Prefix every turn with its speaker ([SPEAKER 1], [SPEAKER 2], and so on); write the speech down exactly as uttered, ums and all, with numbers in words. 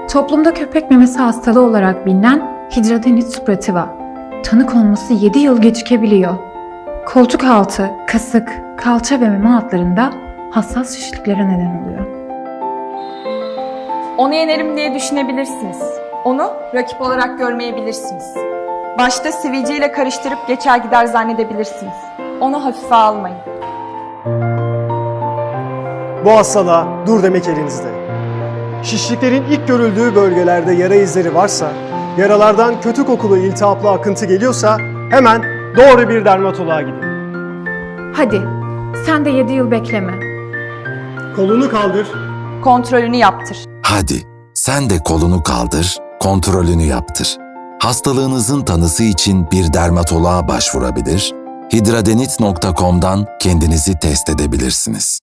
[SPEAKER 1] Toplumda köpek memesi hastalığı olarak bilinen hidradenitis suppurativa, tanı konması yedi yıl gecikebiliyor. Koltuk altı, kasık, kalça ve meme altlarında hassas şişliklere neden oluyor.
[SPEAKER 2] Onu yenerim diye düşünebilirsiniz. Onu rakip olarak görmeyebilirsiniz. Başta sivilceyle karıştırıp geçer gider zannedebilirsiniz. Onu hafife almayın.
[SPEAKER 3] Bu hastalığa dur demek elinizde. Şişliklerin ilk görüldüğü bölgelerde yara izleri varsa, yaralardan kötü kokulu iltihaplı akıntı geliyorsa hemen doğru bir dermatoloğa gidin.
[SPEAKER 1] Hadi, sen de yedi yıl bekleme.
[SPEAKER 3] Kolunu kaldır.
[SPEAKER 2] Kontrolünü yaptır.
[SPEAKER 4] Hadi sen de kolunu kaldır, kontrolünü yaptır. Hastalığınızın tanısı için bir dermatoloğa başvurabilir, hidradenit nokta com'dan kendinizi test edebilirsiniz.